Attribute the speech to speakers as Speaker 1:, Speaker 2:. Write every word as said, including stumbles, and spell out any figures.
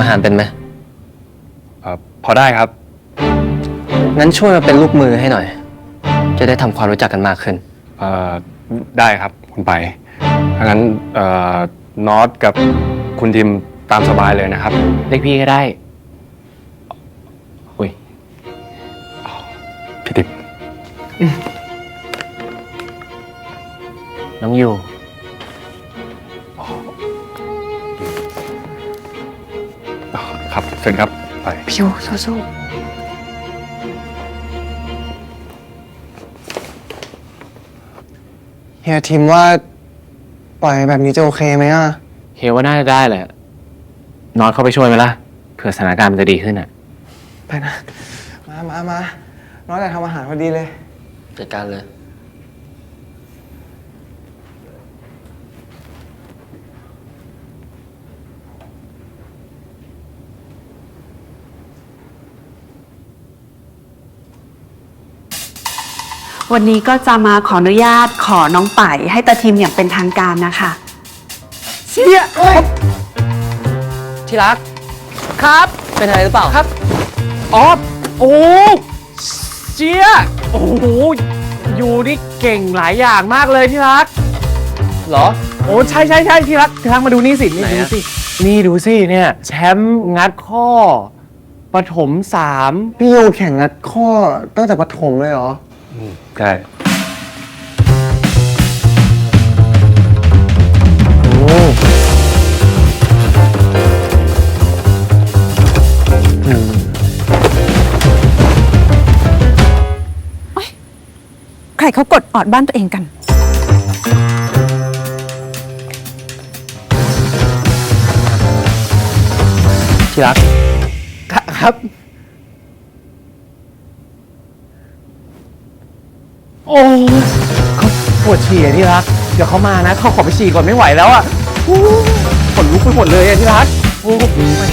Speaker 1: อาหารเป็นไหม
Speaker 2: เอ่อพอได้ครับ
Speaker 1: งั้นช่วยมาเป็นลูกมือให้หน่อยจะได้ทำความรู้จักกันมากขึ้น
Speaker 2: เอ่อได้ครับคุณไปงั้นเอ่อนอตกับคุณทิมตามสบายเลยนะครับ
Speaker 3: เรียกพี่ก็ได้อุ้ย
Speaker 2: พี่ติ๊บ
Speaker 3: น้องยู
Speaker 2: ครับเชิญครับไป
Speaker 4: พี่ยูสู้ๆเฮียทิมว่าปล่อยแบบนี้จะโอเคไหมอ่ะ
Speaker 3: เฮว่าน่าจะได้แหละนอนเข้าไปช่วยไหมล่ะเผื่อสถานการณ์มันจะดีขึ้นอ่ะ
Speaker 4: ไปนะมามามาน้อยแต่ทำอาหารพอดีเลย
Speaker 1: จัดการเลย
Speaker 5: วันนี้ก็จะมาขออนุญาตขอน้องป่ายให้ตาทีมอย่างเป็นทางการนะคะ
Speaker 1: เชี่ยที่รักครับเป็นอะไรหรือเปล่าครับ
Speaker 3: อ๋อโอ้เจี๊ยโอ้โหอยู่นี่เก่งหลายอย่างมากเลยที่รัก
Speaker 1: เหรอ
Speaker 3: โอ้ใช่ใช่ใช่ที่รักที่รักมาดูนี่สินี่ดูสินี่ดูสิเนี่ยแชมป์งัดข้อปฐมสาม
Speaker 4: พี่ยูแข่งงัดข้อตั้งแต่ประถมเลยเหรอ
Speaker 2: ใช่
Speaker 4: โอ้
Speaker 6: ใครเขากดออดบ้านตัวเองกัน
Speaker 1: ที่รัก
Speaker 3: ครับโอ้เขาปวดฉี่ที่รักเดี๋ยวเขามานะเขาขอไปฉี่ก่อนไม่ไหวแล้วอ่ะขนลุกไปหมดเลยที่รักโอ้ไป